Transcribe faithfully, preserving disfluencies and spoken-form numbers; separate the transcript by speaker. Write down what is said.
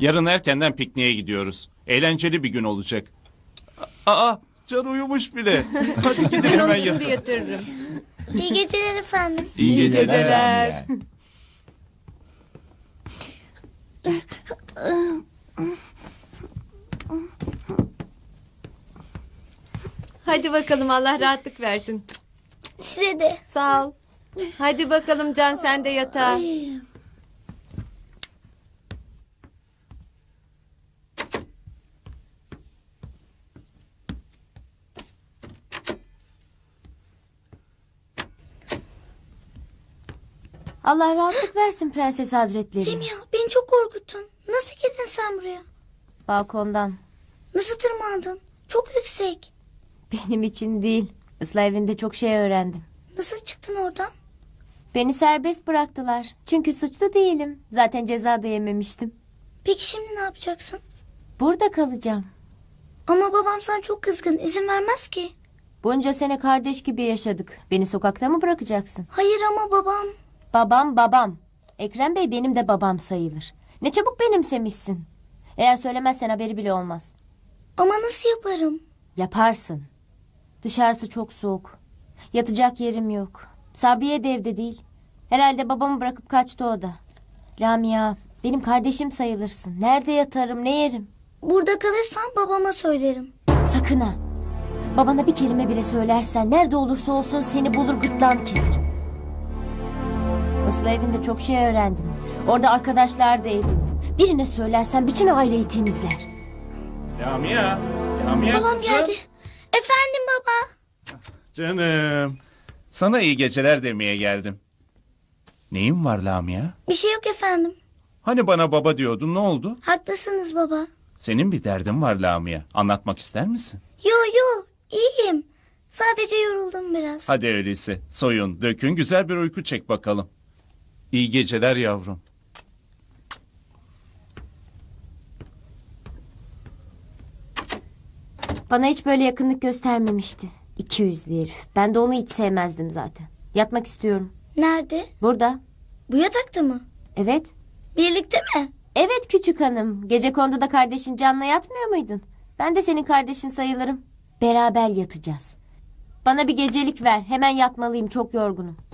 Speaker 1: Yarın erkenden pikniğe gidiyoruz. Eğlenceli bir gün olacak. Aa, Can uyumuş bile. Hadi gidin
Speaker 2: Ben
Speaker 1: hemen
Speaker 2: onu şimdi
Speaker 1: yatın.
Speaker 2: yatırırım.
Speaker 3: İyi geceler efendim.
Speaker 1: İyi geceler.
Speaker 2: geceler. Hadi bakalım, Allah rahatlık versin.
Speaker 3: Size de.
Speaker 2: Sağ ol. Hadi bakalım Can, sen de yatağa.
Speaker 4: Allah rahatlık versin Prenses Hazretleri.
Speaker 3: Semiha beni çok korkuttun. Nasıl girdin sen buraya?
Speaker 4: Balkondan.
Speaker 3: Nasıl tırmandın? Çok yüksek.
Speaker 4: Benim için değil. Islah evinde çok şey öğrendim.
Speaker 3: Nasıl çıktın oradan?
Speaker 4: Beni serbest bıraktılar. Çünkü suçlu değilim. Zaten ceza da yememiştim.
Speaker 3: Peki şimdi ne yapacaksın?
Speaker 4: Burada kalacağım.
Speaker 3: Ama babam sana çok kızgın. İzin vermez ki.
Speaker 4: Bunca sene kardeş gibi yaşadık. Beni sokakta mı bırakacaksın?
Speaker 3: Hayır ama babam.
Speaker 4: Babam babam. Ekrem Bey benim de babam sayılır. Ne çabuk benimsemişsin. Eğer söylemezsen haberi bile olmaz.
Speaker 3: Ama nasıl yaparım?
Speaker 4: Yaparsın. Dışarısı çok soğuk. Yatacak yerim yok. Sabriye de evde değil. Herhalde babamı bırakıp kaçtı o da. Lamia, benim kardeşim sayılırsın. Nerede yatarım, ne yerim?
Speaker 3: Burada kalırsan babama söylerim.
Speaker 4: Sakın ha. Babana bir kelime bile söylersen nerede olursa olsun seni bulur gırtlağını keserim. Islah evinde çok şey öğrendim. Orada arkadaşlar da edindim. Birine söylersen bütün aileyi temizler.
Speaker 1: Lamia. Lamia
Speaker 3: Babam
Speaker 1: kızım.
Speaker 3: geldi. Efendim baba.
Speaker 1: Canım. Sana iyi geceler demeye geldim. Neyin var Lamia?
Speaker 3: Bir şey yok efendim.
Speaker 1: Hani bana baba diyordun, ne oldu?
Speaker 3: Haklısınız baba.
Speaker 1: Senin bir derdin var Lamia. Anlatmak ister misin?
Speaker 3: Yo yo iyiyim. Sadece yoruldum biraz.
Speaker 1: Hadi öyleyse soyun, dökün, güzel bir uyku çek bakalım. İyi geceler yavrum.
Speaker 4: Bana hiç böyle yakınlık göstermemişti. İki yüzlü herif. Ben de onu hiç sevmezdim zaten. Yatmak istiyorum.
Speaker 3: Nerede?
Speaker 4: Burada.
Speaker 3: Bu yatakta mı?
Speaker 4: Evet.
Speaker 3: Birlikte mi?
Speaker 4: Evet küçük hanım. Gecekonduda da kardeşin Can'la yatmıyor muydun? Ben de senin kardeşin sayılırım. Beraber yatacağız. Bana bir gecelik ver. Hemen yatmalıyım. Çok yorgunum.